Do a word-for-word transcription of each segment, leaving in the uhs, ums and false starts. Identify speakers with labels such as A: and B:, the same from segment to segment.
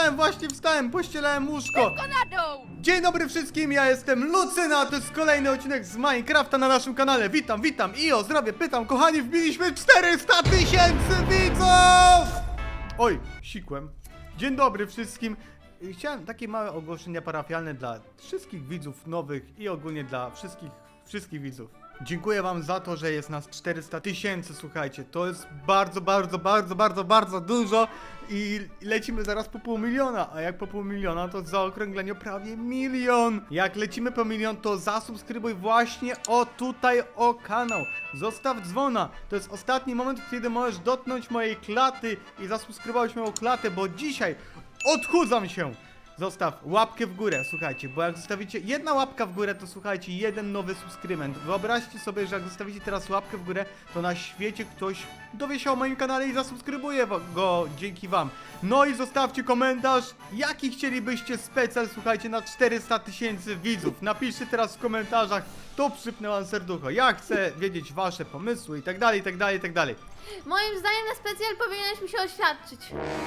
A: wstałem, właśnie wstałem, pościelałem łóżko.
B: Szybko na dół!
A: Dzień dobry wszystkim, ja jestem Lucyna, a to jest kolejny odcinek z Minecrafta na naszym kanale. Witam, witam i o zdrowie pytam, kochani, wbiliśmy czterysta tysięcy widzów! Oj, sikłem. Dzień dobry wszystkim. Chciałem takie małe ogłoszenia parafialne dla wszystkich widzów nowych i ogólnie dla wszystkich, wszystkich widzów. Dziękuję wam za to, że jest nas czterysta tysięcy, słuchajcie, to jest bardzo, bardzo, bardzo, bardzo, bardzo dużo i lecimy zaraz po pół miliona, a jak po pół miliona, to w zaokrągleniu prawie milion. Jak lecimy po milion, to zasubskrybuj właśnie o tutaj o kanał, zostaw dzwona, to jest ostatni moment, kiedy możesz dotknąć mojej klaty i zasubskrybować moją klatę, bo dzisiaj odchudzam się. Zostaw łapkę w górę, słuchajcie, bo jak zostawicie jedna łapka w górę, to słuchajcie, jeden nowy subskrybent. Wyobraźcie sobie, że jak zostawicie teraz łapkę w górę, to na świecie ktoś dowie się o moim kanale i zasubskrybuje go dzięki wam. No i zostawcie komentarz, jaki chcielibyście specjal, słuchajcie, na czterysta tysięcy widzów. Napiszcie teraz w komentarzach, to przypnę wam serducho. Ja chcę wiedzieć wasze pomysły i tak dalej, i tak dalej, i tak dalej.
B: Moim zdaniem na specjal powinieneś mi się oświadczyć.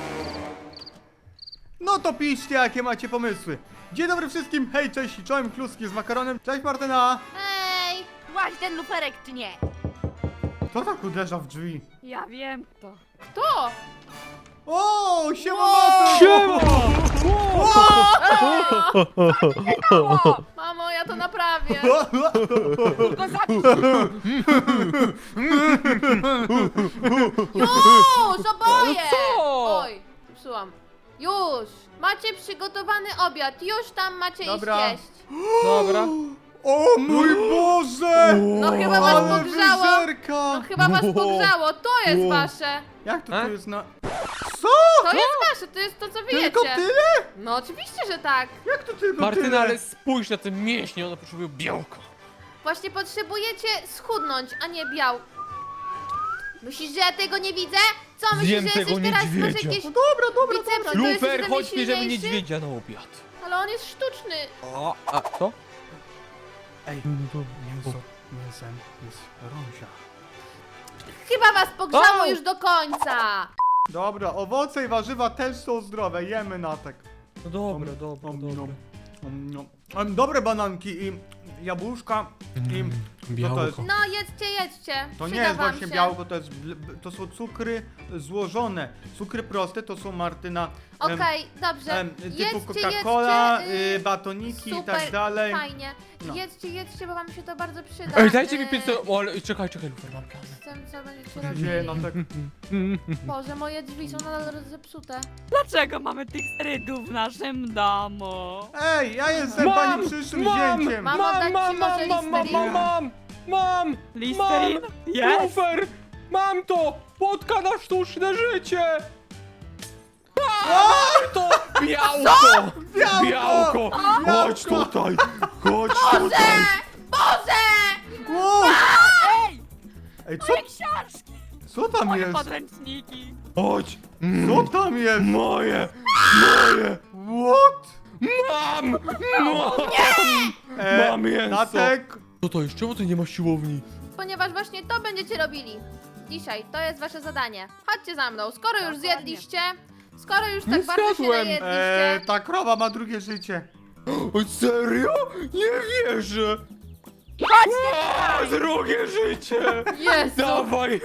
A: No to piszcie, jakie macie pomysły. Dzień dobry wszystkim, hej, cześć, czołem kluski z makaronem. Cześć Martyna.
B: Hej!
C: Łaź ten luferek czy nie?
A: Kto tak uderza w drzwi?
C: Ja wiem to.
B: Kto?
A: O, siema Maty!
D: Siema!
B: O, mamo, ja to naprawię.
C: Go zabić!
B: Już, oboje!
D: co?
B: Oj, psułam. Już! Macie przygotowany obiad, już tam macie
A: Dobra.
B: iść jeść.
D: Dobra.
A: O mój Boże!
B: No chyba was
A: Ale
B: pogrzało.
A: wyżerka!
B: No chyba was pogrzało, to jest
A: O.
B: wasze.
A: Jak to
D: E?
A: tu jest na... Co?
B: To jest wasze, to jest to co wy
A: Tylko
B: jecie.
A: tyle?
B: No oczywiście, że tak.
A: Jak to tylko
D: Martyna,
A: tyle?
D: ale spójrz na te mięśnie, one potrzebują białka.
B: Właśnie potrzebujecie schudnąć, a nie biał. Myślisz, że ja tego nie widzę? Co myślisz,
D: Zjem
B: że
D: tego
B: jesteś teraz masz
D: niedźwiedzia.
B: jakieś
A: No dobra, dobra,
B: bicepsy,
A: dobra.
B: to jesteś
D: Lufer,
B: ode mnie
D: chodź bierzemy
B: silniejszy?
D: niedźwiedzia na obiad.
B: Ale on jest sztuczny.
D: O, a co?
A: Ej, mięso, mięsem jest rąsia.
B: Chyba was pogrzało
D: O!
B: już do końca.
A: Dobra, owoce i warzywa też są zdrowe, jemy natek.
D: No dobra, dobra,
A: Om,
D: dobra.
A: nom, om, nom. Em, Dobre bananki i jabłuszka i... Co to jest?
B: No jedzcie, jedzcie.
A: To nie
B: Przyda
A: jest
B: wam
A: właśnie
B: się.
A: białko, to, jest, bl- to są cukry złożone. Cukry proste to są, Martyna, em,
B: Okej, dobrze.
A: em, typu
B: Jedźcie,
A: Coca-Cola,
B: jedźcie,
A: y,
B: y,
A: batoniki i
B: Super,
A: tak dalej.
B: fajnie.
A: No.
B: Jedźcie, jedźcie, bo wam się to bardzo przyda.
D: Ej, dajcie mi
B: Y,
D: pięćset... O, ale czekaj, czekaj, Lufer, mam plan.
B: Z tym, co będziecie
A: Co się dzieje, no
B: robili.
A: tak...
B: Boże, moje drzwi są nadal zepsute.
C: Dlaczego mamy tych rydów w naszym domu?
A: Ej, ja jestem pani przyszłym
D: mam,
A: zięciem!
B: Mam
D: mam,
B: oddać
D: mam,
B: ci może
D: mam, mam, mam,
B: Listerina?
D: mam, mam,
C: Listerin?
D: mam,
C: Jest?
D: Lufer, mam to, płotka na sztuczne życie. Mam to, białko,
A: Białko!
D: białko, chodź
A: Białko!
D: tutaj, chodź tutaj.
B: Boże!
A: Wow!
C: Ej!
A: Ej, co,
C: Moje książki!
A: co tam
C: Moje
A: jest?
C: podręczniki!
D: Chodź,
A: Co tam jest?
D: moje, moje,
A: What?
D: mam, mam,
A: E,
D: mam mięso.
A: Natek,
D: Co to jest, czemu ty nie ma siłowni?
B: Ponieważ właśnie to będziecie robili. Dzisiaj, to jest wasze zadanie. Chodźcie za mną, skoro już
C: Dokładnie.
B: zjedliście, skoro już tak
D: Nie
B: bardzo się
D: zjadłem.
B: najedliście.
A: e, ta krowa ma drugie życie.
D: O, serio? Nie wierzę.
C: Chodźcie!
D: O, drugie życie.
B: Jezu!
D: Dawaj!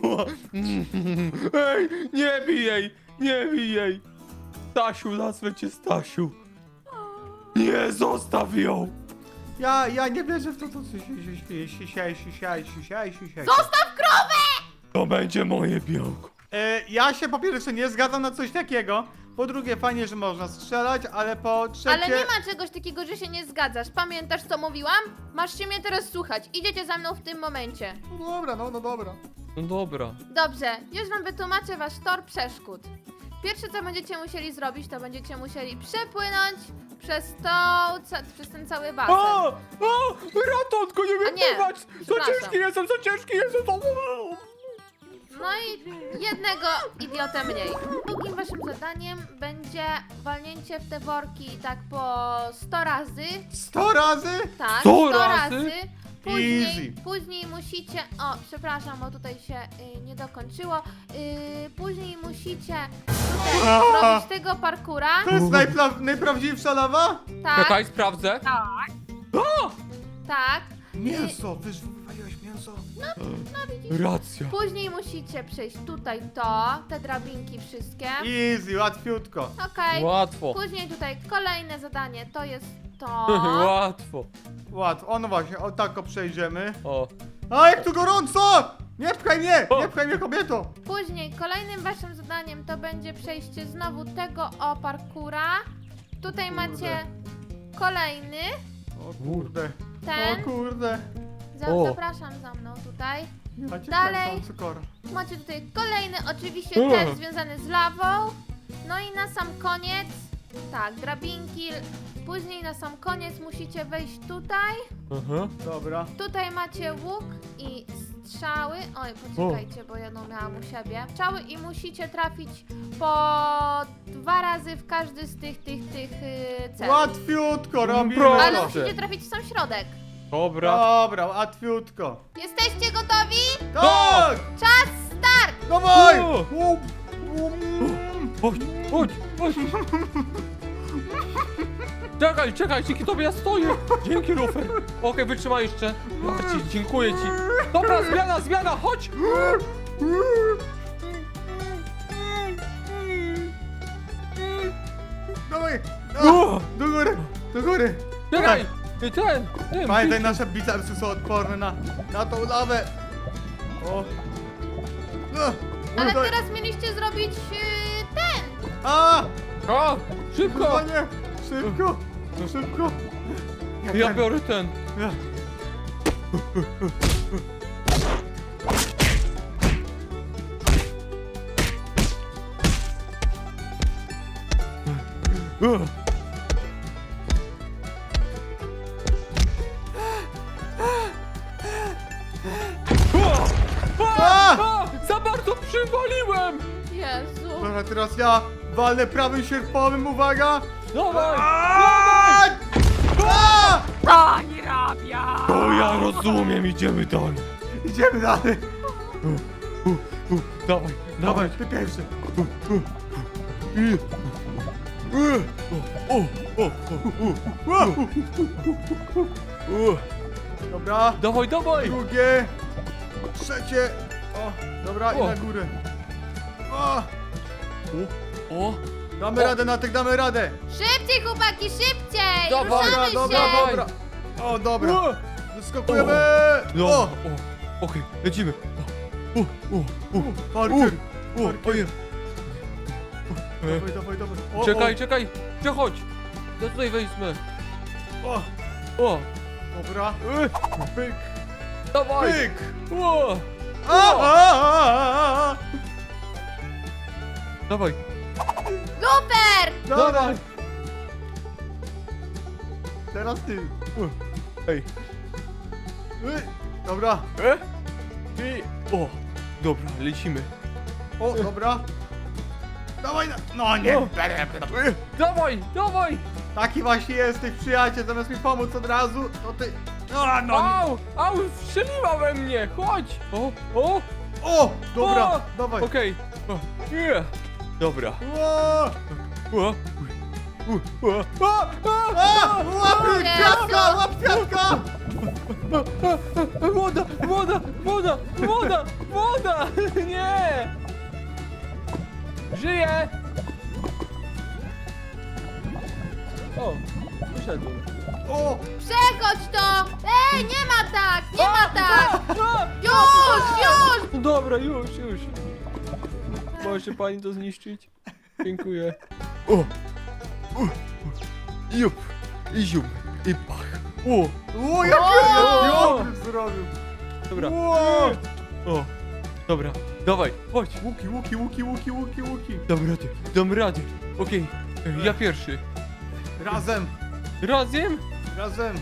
D: Ej, nie bij jej! Nie bij jej! Stasiu, nazwę cię Stasiu! Nie, zostaw ją!
A: Ja, ja nie wierzę w to, co się się się się się się się się
B: Zostaw krowę!
D: To będzie moje białko.
A: E, ja się po pierwsze nie zgadzam na coś takiego. Po drugie, fajnie, że można strzelać, ale po trzecie...
B: Ale nie ma czegoś takiego, że się nie zgadzasz. Pamiętasz, co mówiłam? Masz się mnie teraz słuchać. Idziecie za mną w tym momencie.
A: No dobra, no, no dobra.
D: No dobra.
B: Dobrze, już wam wytłumaczę wasz tor przeszkód. Pierwsze, co będziecie musieli zrobić, to będziecie musieli przepłynąć przez to, ca przez ten cały basen.
D: O! O! Ratunku, nie
B: A
D: wiem
B: nie,
D: pływać! Za
B: przepraszam.
D: ciężki jestem, za ciężki jestem!
B: No i jednego idiotę mniej. Drugim waszym zadaniem będzie walnięcie w te worki tak po sto razy.
A: Sto razy?
B: Tak,
D: sto
B: sto
D: razy?
B: razy. Później,
A: Easy.
B: później musicie. O, przepraszam, bo tutaj się y, nie dokończyło. Y, później musicie. musicie tutaj zrobić tego parkura.
A: To jest najpla- najprawdziwsza lawa?
B: Tak,
D: Czekaj, sprawdzę.
C: Tak.
D: O!
B: tak.
A: Mięso, wyż wywaliłeś mięso.
D: Racja.
B: Później musicie przejść tutaj to, te drabinki wszystkie.
A: Easy, łatwiutko.
B: Okej.
D: Łatwo.
B: Później tutaj kolejne zadanie, to jest to.
D: Łatwo.
A: Łatwo, o no właśnie, o tak o przejdziemy.
D: O.
A: A jak tu gorąco! Nie pchaj mnie,
D: O.
A: nie pchaj mnie kobieto.
B: Później kolejnym waszym zadaniem to będzie przejście znowu tego o parkura. Tutaj
A: Kurde.
B: macie kolejny,
A: O kurde,
B: ten.
A: o kurde.
B: Za,
D: O.
B: zapraszam za mną tutaj.
A: Ja cię
B: Dalej.
A: kręcam, cukor.
B: Macie tutaj kolejny, oczywiście
D: O.
B: też związany z lawą. No i na sam koniec, tak, drabinki. Później na sam koniec musicie wejść tutaj.
D: Aha.
A: Dobra.
B: Tutaj macie łuk i strzały. Oj, poczekajcie, bo jedną miałam u siebie. Strzały i musicie trafić po dwa razy w każdy z tych, tych, tych yy, celów.
A: Łatwiutko robimy
D: Proszę.
B: Ale
A: to.
B: musicie trafić w sam środek.
D: Dobra.
A: Dobra, łatwiutko.
B: Jesteście gotowi?
A: Tak!
B: Czas start!
A: Dawaj!
D: O.
A: U, u,
D: Chodź, chodź, chodź. Czekaj, czekaj, dzięki tobie ja stoję. Dzięki, Lufer. Okej, wytrzymaj jeszcze. Ja ci, dziękuję ci. Dobra, zmiana, zmiana, chodź.
A: Dawaj!
D: O.
A: A, do góry, do góry.
D: Czekaj, ten, ten.
A: Pamiętaj, nasze bicepsy są odporne na, na tą lawę. O. No,
B: Ale
A: tutaj.
B: teraz mieliście zrobić yy, ten.
A: A!
D: A, szybko.
A: Panie, szybko, szybko.
D: Ja biorę ten.
A: Ja.
D: A! A! Za bardzo przywaliłem!
B: Jezu.
A: Dobra, teraz ja walnę prawym sierpowym, uwaga!
D: Dawaj!
A: A! A!
C: Pani rabia!
D: O, ja rozumiem, idziemy dalej.
A: Idziemy dalej.
D: U, u, dawaj,
A: Dawaj,
D: dawaj.
A: ty pierwszy.
D: I- O, o, o, o, o, o.
A: Dobra,
D: Dawaj, dawaj!
A: drugie, trzecie. O, dobra, i
D: O.
A: na górę. O,
D: O,
A: damy
D: O.
A: radę na tych, damy radę.
B: Szybciej, chłopaki, szybciej!
D: Dawaj,
B: Ruszamy
A: dobra,
B: się!
A: dobra, dobra. O, dobra,
D: o.
A: wyskakujemy.
D: No,
A: O,
D: o, okej, lecimy. O, o, o,
A: parkour.
D: o, o, ojej. E,
A: Dawaj, dawaj, dawaj. O,
D: Czekaj, czekaj, przechodź. Ja tutaj wejdę.
A: O,
D: O,
A: o, dobra.
D: e,
A: Pyk,
D: dawaj.
A: pyk.
D: O,
A: A, a, a, a, a.
D: dawaj,
B: Super!
A: Dawaj. Teraz ty.
D: Ej.
A: Ej, dobra.
D: E? I, o, dobra, lecimy.
A: O, dobra. Dawaj, na... no nie.
D: O. E, dawaj, dawaj.
A: Taki właśnie jest tych przyjaciel, zamiast mi pomóc od razu, to ty... No, no nie.
D: Au, au, strzeliła we mnie, chodź. O, o,
A: O, dobra,
D: O.
A: dawaj.
D: okej. O, nie. Dobra.
A: O,
D: O, u, u, o, a, a,
A: a, łapy,
B: Jezu.
A: kwiatka, łap kwiatka.
D: Woda, woda, woda, woda, woda! Nie! Żyję! O, wyszedłem.
A: O,
B: Przechodź to! Ej, nie ma tak! Nie ma tak!
D: A,
B: Już, już!
D: no dobra, już, już. Może pani to zniszczyć? Dziękuję. O! U, u, jup, i zium, i pach. O!
A: o, jak
B: O.
A: ja zrobił.
D: Dobra.
A: O,
D: O! Dobra, dawaj, chodź.
A: łuki, łuki, łuki, łuki, łuki, łuki.
D: Dam radę, dam radę. Okej, ja pierwszy.
A: Razem,
D: Razem?
A: razem.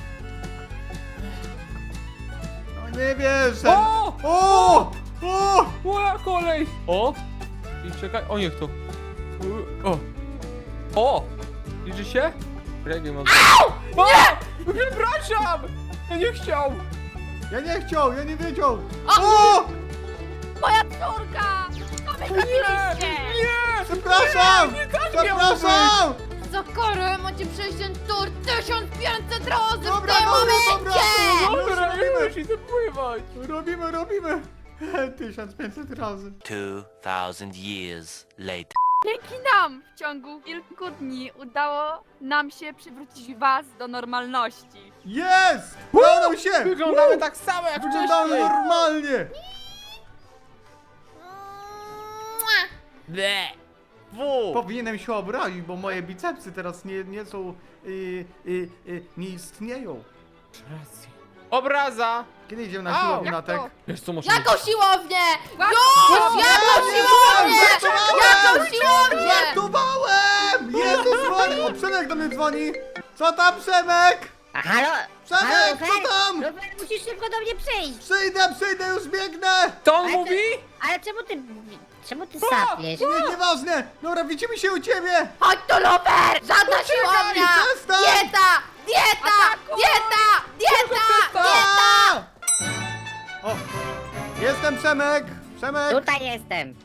A: No nie wierzę.
D: O!
A: O, o,
D: Moja kolej! O! I czekaj, o niech to. O! O! Liczy się? Jak nie mam. O! Przepraszam! Ja nie chciał!
A: ja nie chciał, ja nie wiedział.
B: O!
A: O,
C: Moja córka! Co wy
D: Nie!
C: zrobiliście?
D: Nie!
A: Przepraszam!
D: Nie, tak miało
A: Przepraszam!
B: Za karę macie przejść ten tor tysiąc pięćset razy w
A: Dobra,
B: tym
A: dobra,
B: momencie!
A: dobra.
D: Dobra,
A: Robimy.
D: już idę pływać.
A: Robimy, robimy! tysiąc pięćset razy.
E: Two thousand years later.
C: Dzięki nam w ciągu kilku dni udało nam się przywrócić was do normalności.
A: Jest! Udało nam się!
D: Wyglądamy tak samo jak
A: Wyglądamy
D: wcześniej.
A: normalnie!
B: Mua.
D: Ble. Fu.
A: Powinienem się obrazić, bo moje bicepsy teraz nie, nie są... Y, y, y, nie istnieją.
D: Racja. Obraza.
A: Kiedy idziemy na
D: Au,
A: siłownię,
C: jak
A: Natek?
C: to?
D: Wiesz co, może...
B: Jaką siłownię?
C: Już!
B: Już! Jaką siłownię? Jaką siłownię?
A: Żartowałem! Jezus Maria! O, Przemek do mnie dzwoni! Co tam, Przemek?
F: A halo?
A: Przemek,
F: halo,
A: co
F: Lufer?
A: tam?
F: Lufer, musisz szybko do mnie przyjść!
A: Przyjdę, przyjdę, już biegnę!
D: To on
F: Ale to-
D: mówi?
F: Ale czemu ty... Czemu ty sapiesz?
A: Nie, nieważne! Dobra, widzimy się u ciebie!
B: Chodź tu, Lufer! Żadna
A: Poczekaj,
B: siłownia!
A: przestań!
B: Dieta! Dieta!
C: Ataku!
B: Dieta! Dieta! Dieta!
A: O! Jestem Przemek! Przemek!
F: Tutaj jestem!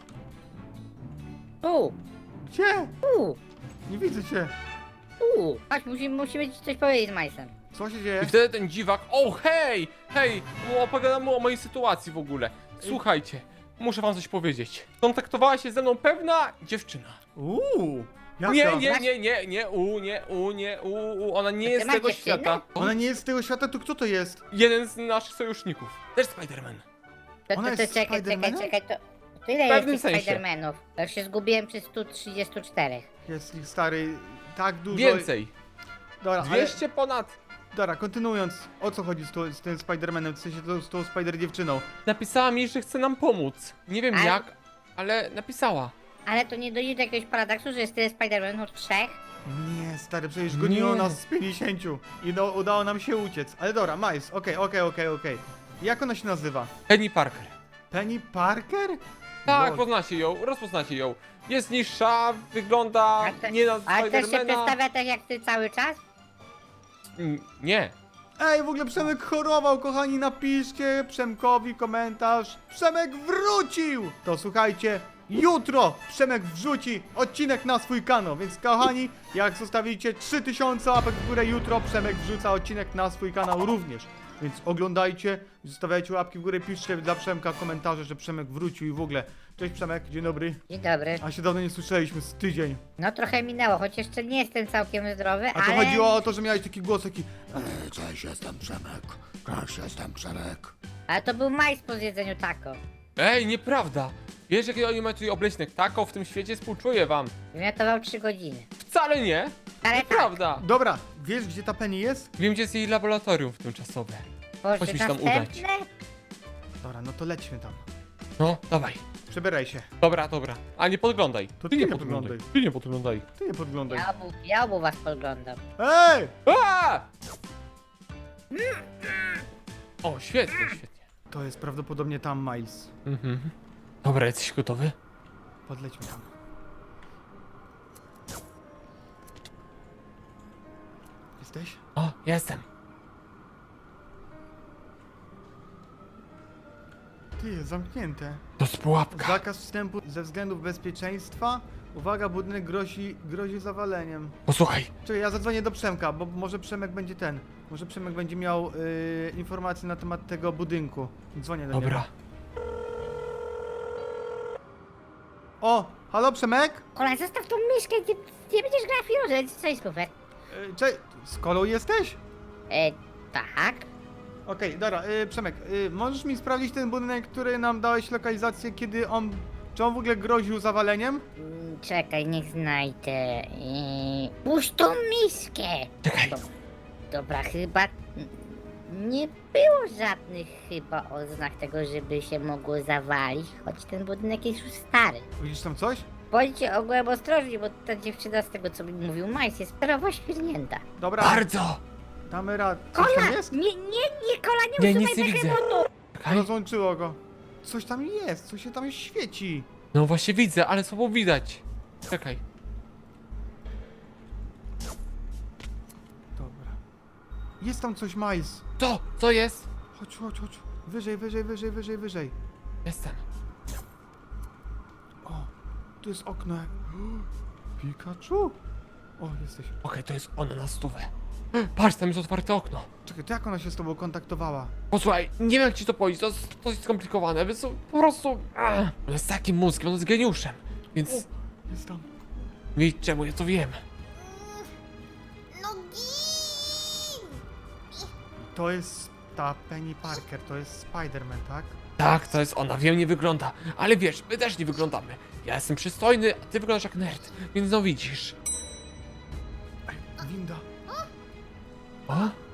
F: Tu!
A: Gdzie?
F: Tu!
A: Nie widzę cię.
F: Tu! Chodź, musimy, musimy ci coś powiedzieć z Majsem.
A: Co się dzieje?
D: I wtedy ten dziwak, o hej, hej, mu opowiadam mu o mojej sytuacji w ogóle. Słuchajcie, muszę wam coś powiedzieć. Kontaktowała się ze mną pewna dziewczyna.
A: Uuu! Jaka?
D: Nie, nie, nie, nie, nie, u, nie, u, nie, u, u, ona nie
F: Ty
D: jest z
F: masz
D: tego
F: dziewczynę?
D: świata.
A: Ona nie jest z tego świata, to kto to jest?
D: Jeden z naszych sojuszników, też Spider-Man.
F: To,
A: Ona
F: to, to
A: jest
F: czekaj, czekaj,
A: Spidermanem?
F: czekaj, to... To ile
D: W
F: jest
D: pewnym
F: tych
D: sensie.
F: Spidermanów? Ja już się zgubiłem przy stu trzydziestu czterech.
A: Jest ich stary tak dużo.
D: Więcej,
A: Dobra, ale,
D: dwieście ponad.
A: dobra, kontynuując, o co chodzi z, to, z tym Spider-Manem, w sensie to, z tą Spider-dziewczyną?
D: Napisała mi, że chce nam pomóc. Nie wiem
F: Ale-
D: jak, ale napisała.
F: Ale to nie dojdzie do jakiegoś paradoksu, że jest tyle Spidermanów, trzech?
A: Nie, stary, przecież goniło
D: Nie.
A: nas z pięćdziesięciu i do, udało nam się uciec. Ale dobra, Miles, okej, okej, okej, okej. Jak ona się nazywa?
D: Penny Parker.
A: Penny Parker?
D: Tak,
A: Lol.
D: poznacie ją, rozpoznacie ją. Jest niższa, wygląda
F: A te-
D: nie na
F: Ale też się
D: Spidermana.
F: przedstawia tak jak ty cały czas?
D: Mm, Nie.
A: Ej, w ogóle Przemek chorował, kochani, napiszcie Przemkowi komentarz. Przemek wrócił! To słuchajcie, jutro Przemek wrzuci odcinek na swój kanał, więc kochani, jak zostawicie trzy tysiące łapek w górę jutro, Przemek wrzuca odcinek na swój kanał również. Więc oglądajcie, zostawiajcie łapki w górę, piszcie dla Przemka komentarze, że Przemek wrócił i w ogóle. Cześć Przemek, dzień dobry.
F: Dzień dobry.
A: A się dawno nie słyszeliśmy, z tydzień.
F: No trochę minęło, choć jeszcze nie jestem całkiem zdrowy,
A: A to
F: ale...
A: chodziło o to, że miałeś taki głos taki "Ej, cześć, jestem Przemek, cześć, jestem Przemek.
F: Ale to był majs po zjedzeniu taco.
D: Ej, nieprawda. Wiesz, jaki oni mają tutaj obleśnych tako w tym świecie? Współczuję wam.
F: Wymiotował trzy godziny.
D: Wcale nie.
F: Ale tak,
D: Nieprawda.
A: Dobra, wiesz gdzie ta Penny jest?
D: Wiem, gdzie jest jej laboratorium tymczasowe.
F: Boże,
D: Chodź mi się tam
F: następne?
A: Dobra, no to lećmy tam.
D: No, dawaj.
A: Przebieraj się.
D: Dobra, dobra. A nie podglądaj.
A: To
D: ty
A: ty
D: nie
A: nie
D: podglądaj.
A: podglądaj.
D: Ty nie podglądaj.
A: Ty nie podglądaj.
F: Ja obu, ja obu was podglądam.
A: Ej!
D: A! O, świetnie, świetnie.
A: To jest prawdopodobnie tam Miles.
D: Mhm. Dobra, jesteś gotowy?
A: Podlećmy tam. Jesteś?
D: O, jestem.
A: Ty, jest zamknięte.
D: To jest pułapka.
A: Zakaz wstępu ze względów bezpieczeństwa. Uwaga, budynek grozi, grozi zawaleniem.
D: Posłuchaj.
A: Czekaj, ja zadzwonię do Przemka, bo może Przemek będzie ten. Może Przemek będzie miał yy, informacje na temat tego budynku. Dzwonię do
D: Dobra.
A: niego. O, halo Przemek?
F: Kola, zostaw tą myszkę, nie, nie będziesz grała w pieniądze, co jest kufer?
A: Yy, Cześć, z Kolą jesteś?
F: E, tak?
A: Okej, dobra, yy, Przemek, yy, możesz mi sprawdzić ten budynek, który nam dałeś lokalizację, kiedy on... Czy on w ogóle groził zawaleniem?
F: Mm, Czekaj, niech znajdę. Eee, puść tą miskę!
D: Czekaj.
F: Do, dobra, chyba n- nie było żadnych chyba oznak tego, żeby się mogło zawalić, choć ten budynek jest już stary.
A: Widzisz tam coś?
F: Bądźcie ogółem ostrożni, bo ta dziewczyna z tego co mi mówił Majs jest prawo świrnięta.
A: Dobra,
D: Bardzo.
A: damy radę. Coś
F: Kola!
A: tam jest?
F: Nie, nie, nie, Kola, nie
D: Nie,
F: usuwaj
D: nic nie widzę.
F: behemotu!
D: Czekaj.
A: Rozłączyło go. Coś tam jest, coś się tam świeci.
D: No właśnie widzę, ale słabo widać. Czekaj.
A: Dobra. Jest tam coś, Miles.
D: To, co jest?
A: Chodź, chodź, chodź. Wyżej, wyżej, wyżej, wyżej, wyżej.
D: Jestem.
A: O, tu jest okno. Pikachu? O, jesteś.
D: Okej, to jest ona na stówę. Patrz, tam jest otwarte okno.
A: Czekaj, to jak ona się z tobą kontaktowała?
D: Posłuchaj, nie wiem jak ci to powiedzieć, to jest dość skomplikowane, więc po prostu... Ach, on jest takim mózgiem, on jest geniuszem. Więc
A: Jest tam.
D: wiesz czemu ja to wiem.
B: No gin!
A: To jest ta Penny Parker, to jest Spider-Man, tak?
D: Tak, to jest ona, wiem, nie wygląda. Ale wiesz, my też nie wyglądamy. Ja jestem przystojny, a ty wyglądasz jak nerd. Więc no widzisz.
A: Ej, winda.
D: O?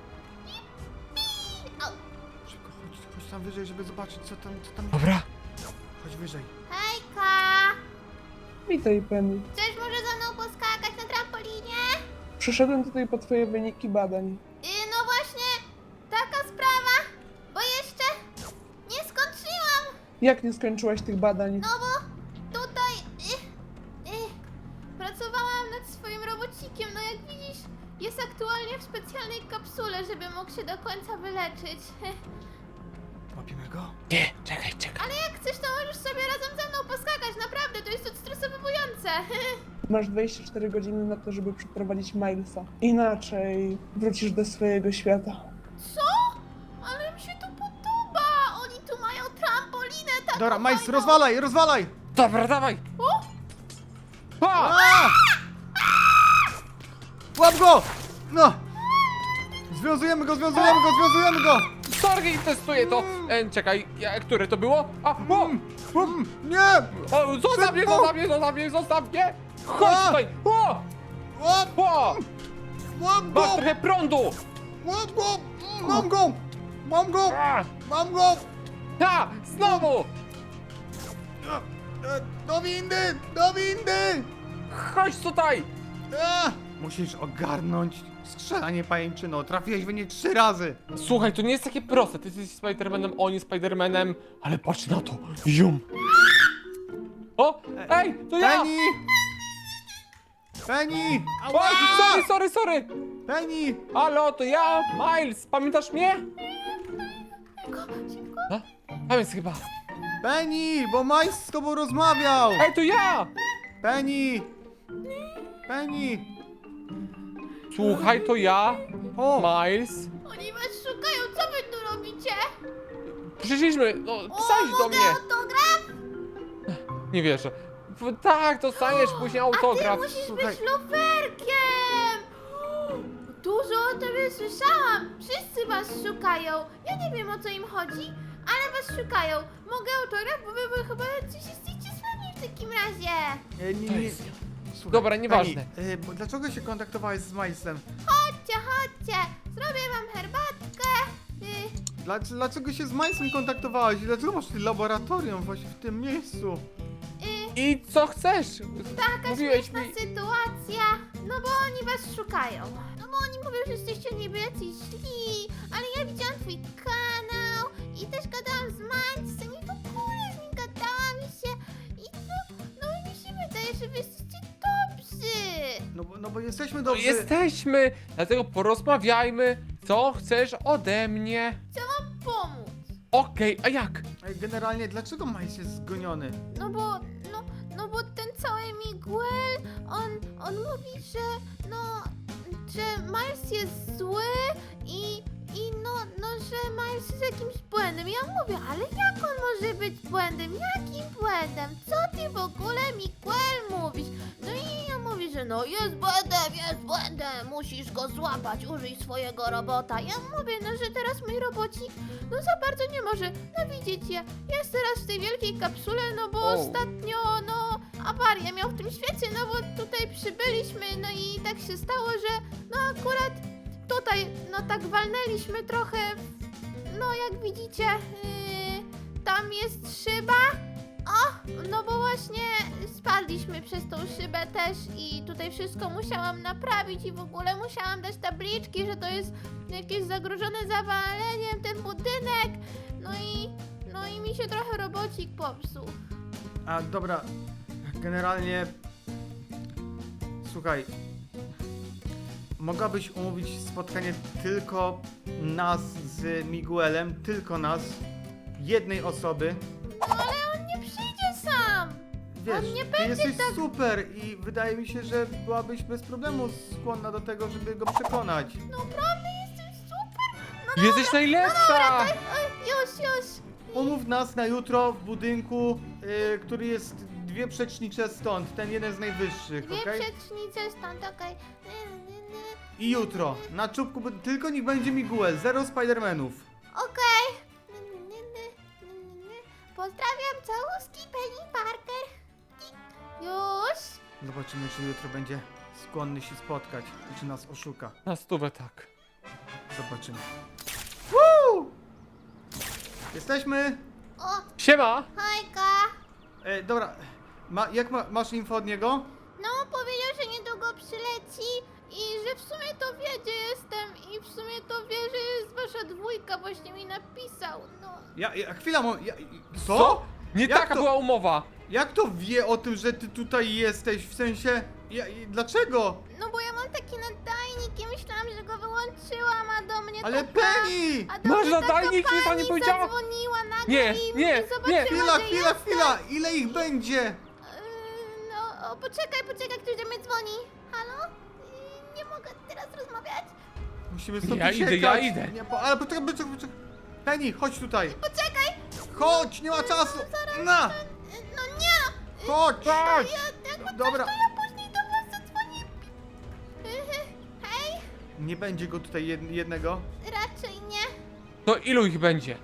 A: Szybko, chodź, chodź tam wyżej, żeby zobaczyć, co tam, co tam jest.
D: Dobra.
A: Chodź wyżej.
B: Hejka!
G: Witaj, Penny.
B: Chcesz może ze mną poskakać na trampolinie?
G: Przyszedłem tutaj po twoje wyniki badań.
B: Yy, no właśnie, taka sprawa, bo jeszcze nie skończyłam,
G: Jak nie skończyłaś tych badań?
B: no bo tutaj yy, yy, pracowałam nad swoim robocikiem, no jak widzisz, jest aktualnie w specjalnej kapsule, żeby mógł się do końca wyleczyć.
A: Łapiemy go?
D: Nie, czekaj, czekaj.
B: Ale jak chcesz, to możesz sobie razem ze mną poskakać, naprawdę, to jest odstresowujące.
G: Masz dwadzieścia cztery godziny na to, żeby przeprowadzić Milesa. Inaczej wrócisz do swojego świata.
B: Co? Ale mi się tu podoba, oni tu mają trampolinę taką
A: Dobra, Majs,
B: fajną.
A: rozwalaj, rozwalaj!
D: Dobra, dawaj.
B: O!
D: Pa!
A: A! Łap go! No! Związujemy go, związujemy go, związujemy go!
D: Sorry, testuję to. E, czekaj, ja, które to było? A, o!
A: Mm, nie!
D: O, zostaw mnie,
A: Szybko!
D: zostaw mnie, zostaw mnie, zostaw mnie! Chodź
A: A!
D: tutaj! O!
A: Łap,
D: O!
A: łap go!
D: Masz trochę prądu!
A: Łap go! Mm, Mam go! Mam go!
D: A!
A: Mam go!
D: Ha! Znowu!
A: E, Do windy! Do windy!
D: Chodź tutaj!
A: A! Musisz ogarnąć strzelanie pajęczyną. Trafiłeś w nie trzy razy.
D: Słuchaj, to nie jest takie proste. Ty jesteś Spidermanem, on jest Spidermanem, ale patrz na to. Jum! O! Ej, to ja!
A: Penny! Penny!
D: O, sorry, sorry, sorry!
A: Penny!
D: Halo, to ja, Miles, pamiętasz mnie? A? Tam jest chyba.
A: Penny! Bo Majs z tobą rozmawiał!
D: Ej, to ja!
A: Penny! Penny!
D: Słuchaj, to ja,
A: O!
D: Miles.
B: Oni was szukają, co wy tu robicie?
D: Przyszliśmy, no,
B: O,
D: pisałeś do
B: mogę
D: mnie.
B: autograf?
D: Nie wierzę. W- Tak, dostaniesz później autograf.
B: Ty musisz
A: Słuchaj.
B: być luferkiem! Dużo o tobie słyszałam. Wszyscy was szukają. Ja nie wiem, o co im chodzi, ale was szukają. Mogę autograf, bo wy, wy chyba coś jesteście sławni w takim razie.
A: E, nie,
D: To
A: nie.
D: jest-
A: Słuchaj,
D: Dobra, nieważne.
A: Penny, e, bo dlaczego się kontaktowałeś z Majsem?
B: Chodźcie, chodźcie. Zrobię wam herbatkę. Y,
A: Dla, dlaczego się z Majsem kontaktowałaś? Dlaczego masz ty laboratorium właśnie w tym miejscu?
B: y,
D: I co chcesz?
B: taka
D: Mówiłeś
B: śmieszna
D: mi...
B: sytuacja. No bo oni was szukają. No bo oni mówią, że jesteście niby jacyś źli, ale ja widziałam twój kanał i też gadałam z Mańcem i w ogóle z nim gadałam i się... I no, no i mi się wydaje, że wy jesteście dobrzy.
A: No bo, no bo jesteśmy
D: No
A: dobrzy.
D: jesteśmy, dlatego porozmawiajmy. Co chcesz ode mnie?
B: Chcę wam pomóc.
D: Okej, a jak?
A: Ej, generalnie, dlaczego Majs jest zgoniony?
B: No bo, no, no bo ten cały Miguel, on, on mówi, że, no, że Miles jest zły i, i no, no, że Miles jest jakimś błędem. Ja mówię, ale jak on może być błędem? Jakim błędem? Co ty w ogóle, Miguel, mówisz? No i ja mówię, że no, jest błędem, jest błędem, musisz go złapać, użyj swojego robota. Ja mówię, no, że teraz mój robocik, no za bardzo nie może, no widzicie, jest teraz w tej wielkiej kapsule, no bo
D: O.
B: ostatnio, no, awarię miał w tym świecie, no bo tutaj przybyliśmy, no i tak się stało, że no akurat tutaj, no tak walnęliśmy trochę, no jak widzicie, yy, tam jest szyba. O, no bo właśnie spadliśmy przez tą szybę też i tutaj wszystko musiałam naprawić i w ogóle musiałam dać tabliczki, że to jest jakieś zagrożone zawaleniem ten budynek. No i, no i mi się trochę robocik popsuł.
A: A dobra, generalnie. Słuchaj. Mogłabyś umówić spotkanie tylko nas z Miguelem, tylko nas, jednej osoby.
B: No ale on nie przyjdzie sam.
A: wiesz,
B: nie
A: ty
B: będzie
A: jesteś
B: tak-
A: super i wydaje mi się, że byłabyś bez problemu skłonna do tego, żeby go przekonać.
B: Naprawdę jestem super. No
D: Jesteś najlepsza!
B: Oj, już, już.
A: Umów nas na jutro w budynku, y, który jest dwie przecznicze stąd, ten jeden z najwyższych,
B: Dwie
A: okej?
B: przecznice stąd, okej. Nie, nie, nie.
A: I jutro, na czubku, bu- tylko niech będzie Miguel, zero Spidermanów.
B: Okej. Nie, nie, nie, nie, nie, nie. Pozdrawiam, całuski Penny Parker. Już.
A: Zobaczymy, czy jutro będzie skłonny się spotkać i czy nas oszuka.
D: Na stówę tak.
A: Zobaczymy. Woo! Jesteśmy!
B: O,
D: Siema!
B: hajka.
A: E, dobra, ma, jak ma, masz info od niego?
B: No, powiedział, że niedługo przyleci i że w sumie to wie, gdzie jestem i w sumie to wie, że jest wasza dwójka, właśnie mi napisał, no.
A: Ja, ja chwila, mo, ja, co?
D: Co? Nie
A: Jak
D: taka
A: to-
D: była umowa!
A: Jak to wie o tym, że ty tutaj jesteś? W sensie, ja, i dlaczego?
B: No bo ja mam taki nadajnik i myślałam, że go wyłączyłam, a do mnie
A: Ale
B: taka...
A: Penny!
B: A do
D: Masz
B: mnie taka
D: nadajnik? Nic pani
B: pani
D: powiedziała?
B: zadzwoniła nagle
D: Nie,
B: i
D: nie,
B: i zobaczyła,
D: nie.
A: Chwila,
B: że
A: chwila,
B: jestem.
A: chwila! Ile ich będzie?
B: Yy, No, o, poczekaj, poczekaj, ktoś do mnie dzwoni. Halo? Yy, Nie mogę teraz rozmawiać.
A: Musimy stąd
D: Ja
A: uciekać.
D: idę, ja idę.
A: Nie, bo, ale poczekaj, poczekaj, poczekaj. Penny, chodź tutaj.
B: Poczekaj!
A: Chodź, nie ma czasu. Na,
B: Yy, No nie!
A: chodź.
D: Chodź!
B: Ja, jakby
A: Dobra.
B: coś, to ja później do was zadzwonię. Yy, Hej?
A: Nie będzie go tutaj jed, jednego.
B: Raczej nie.
D: To ilu ich będzie?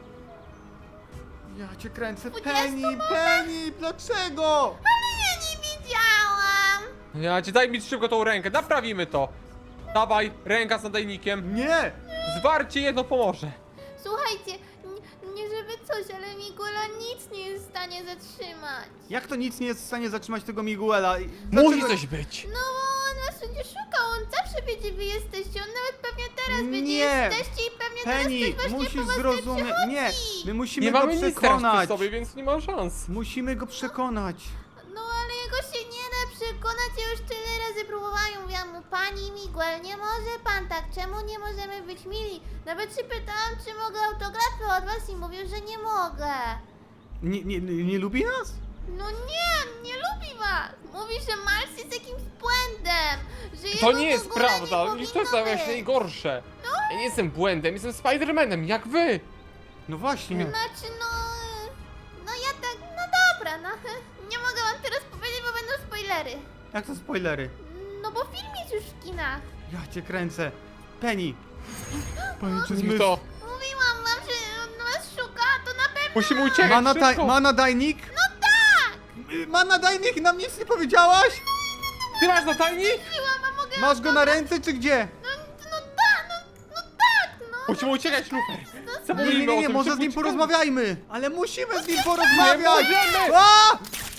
A: Ja cię kręcę.
B: Dwudziestu
A: Penny, Penny, dlaczego?
B: Ale ja nie wiedziałam.
D: Ja ci daj mi szybko tą rękę, naprawimy to! Dawaj, ręka z nadajnikiem.
A: Nie!
D: Zwarcie jedno pomoże.
B: Słuchajcie, nie, nie żeby coś, ale Miguela nic nie jest w stanie zatrzymać.
A: Jak to nic nie jest w stanie zatrzymać tego Miguela? I
D: Musi
A: dlaczego-
D: coś być.
B: No bo on was będzie szukał, on zawsze wie, gdzie wy jesteście, on nawet pewnie teraz wie, gdzie
A: Nie.
B: jesteście i pewnie
A: Penny,
B: teraz ktoś właśnie
A: musisz
B: po was
A: zrozumieć.
B: przychodzi.
A: Nie, my musimy
D: Nie
A: go
D: mamy nic teraz przy
A: przekonać.
D: sobie, więc nie ma szans.
A: Musimy go przekonać.
B: No ale jego się nie da przekonać, ja już tyle razy próbowałam, mówiłam mu, pani Miguel, nie może pan tak, czemu nie możemy być mili? Nawet się pytałam, czy mogę autografy od was i mówił, że nie mogę.
A: Nie, nie, nie, nie lubi nas?
B: No nie, nie lubi was. Mówi, że Miles jest jakimś błędem, że
D: To
B: jego
D: nie
B: w
D: jest
B: ogóle
D: prawda,
B: nie
D: i to jest
B: powinno
D: właśnie
B: być.
D: najgorsze. Ja nie jestem błędem, jestem Spidermanem, jak wy!
A: No właśnie.
B: Znaczy, no... No ja tak... No dobra, no. Nie mogę wam teraz powiedzieć, bo będą spoilery.
A: Jak to spoilery?
B: No bo film jest już w kinach.
A: Ja cię kręcę. Penny. Pajęczy
D: Zmysł.
A: zmysł.
D: To.
B: Mówiłam wam, że on was szuka, to na pewno...
D: Musimy uciekać
A: Ma, nadaj,
D: szybko.
A: ma nadajnik?
B: No tak!
A: Y, Ma nadajnik i nam nic nie powiedziałaś?
D: Ty masz nadajnik?
B: Mówiłam, a mogę...
A: Masz go na ręce czy gdzie?
B: No, no tak, no, no tak, no.
D: Musimy uciekać, Lufer.
A: Nie, nie,
D: Zapomnijmy
A: nie,
D: o
A: nie,
D: tym,
A: może z
D: szybko
A: nim
D: uciekamy.
A: porozmawiajmy. Ale musimy z nim
D: Nie
A: porozmawiać.
D: możemy!
A: A!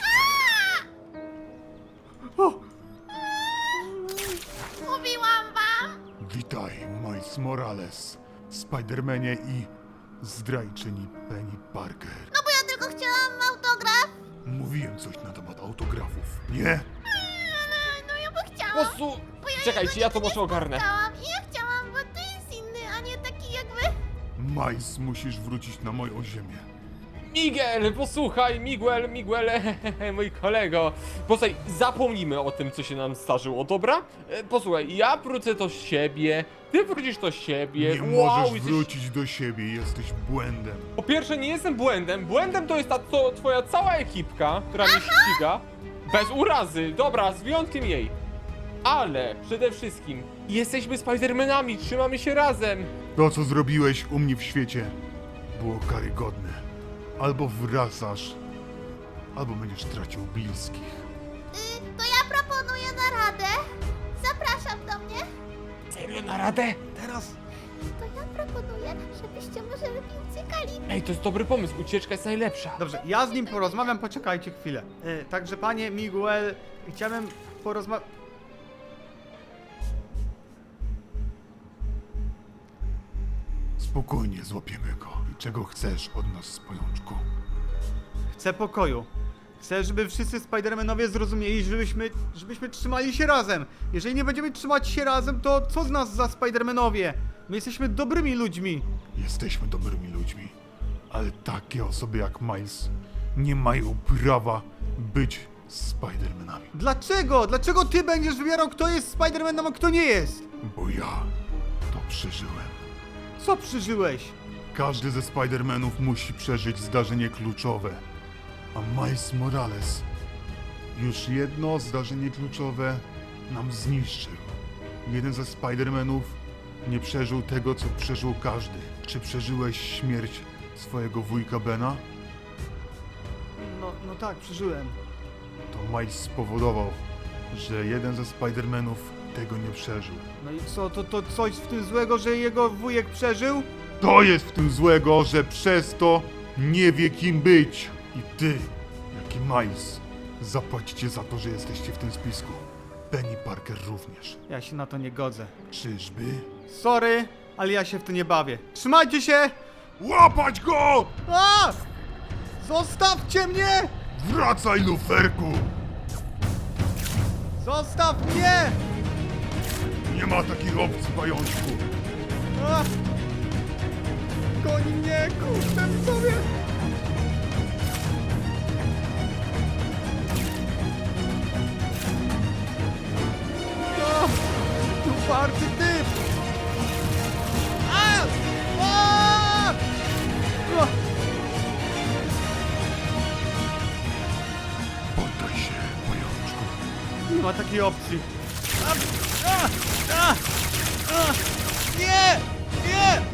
A: O,
B: Mówiłam wam.
H: Witaj, Miles Morales, Spidermanie i zdrajczyni Penny Parker.
B: No bo ja tylko chciałam autograf.
H: Mówiłem coś na temat autografów, nie?
B: No, no ja bym chciała.
D: Po prostu...
B: bo ja
D: Czekajcie, ja to może ogarnę.
B: Chciałam i ja chciałam, bo to jest inny, a nie taki jak wy.
H: Miles, musisz wrócić na moją ziemię.
D: Miguel, posłuchaj, Miguel, Miguel, mój kolego. Posłuchaj, zapomnijmy o tym, co się nam zdarzyło, dobra? E, Posłuchaj, ja wrócę do siebie, ty wrócisz do siebie.
H: Nie
D: wow,
H: możesz
D: jesteś...
H: wrócić do siebie, jesteś błędem.
D: Po pierwsze, nie jestem błędem. Błędem to jest ta to, twoja cała ekipka, która mnie ściga. Bez urazy, dobra, z wyjątkiem jej. Ale przede wszystkim jesteśmy Spidermanami, trzymamy się razem.
H: To, co zrobiłeś u mnie w świecie, było karygodne. Albo wracasz, albo będziesz tracił bliskich.
B: Y, to ja proponuję naradę. Zapraszam do mnie.
D: Serio, na radę?
A: teraz.
B: To ja proponuję, żebyście może lepiej uciekali.
D: Ej, to jest dobry pomysł, ucieczka jest najlepsza.
A: Dobrze, ja z nim porozmawiam, poczekajcie chwilę. E, także panie Miguel, chciałem porozmawiać...
H: Spokojnie złapiemy go. I czego chcesz od nas, pajączku?
A: Chcę pokoju. Chcę, żeby wszyscy Spidermanowie zrozumieli, żebyśmy, żebyśmy trzymali się razem. Jeżeli nie będziemy trzymać się razem, to co z nas za Spidermanowie? My jesteśmy dobrymi ludźmi.
H: Jesteśmy dobrymi ludźmi, ale takie osoby jak Miles nie mają prawa być z Spider-Manami.
A: Dlaczego? Dlaczego ty będziesz wybierał, kto jest Spider-Manem, a kto nie jest?
H: Bo ja to przeżyłem.
A: Co przeżyłeś?
H: Każdy ze Spider-Manów musi przeżyć zdarzenie kluczowe. A Miles Morales już jedno zdarzenie kluczowe nam zniszczył. Jeden ze Spider-Manów nie przeżył tego, co przeżył każdy. Czy przeżyłeś śmierć swojego wujka Bena?
A: No, no tak, przeżyłem.
H: To Miles spowodował, że jeden ze Spider-Manów tego nie przeżył.
A: No i co, to, to coś w tym złego, że jego wujek przeżył?
H: To jest w tym złego, że przez to nie wie kim być. I ty, jak i Miles, zapłacicie za to, że jesteście w tym spisku. Penny Parker również.
A: Ja się na to nie godzę.
H: Czyżby?
A: Sorry, ale ja się w to nie bawię. Trzymajcie się!
H: Łapać go!
A: A! Zostawcie mnie!
H: Wracaj, luferku!
A: Zostaw mnie!
H: Nie ma takich opcji, pajączku.
A: A! Goni mnie, kurde, sobie! No! Uparty typ! A! A! O!
H: Poddaj się, pajączku.
A: Nie ma takiej opcji. A! A! A! A! Nie! Nie!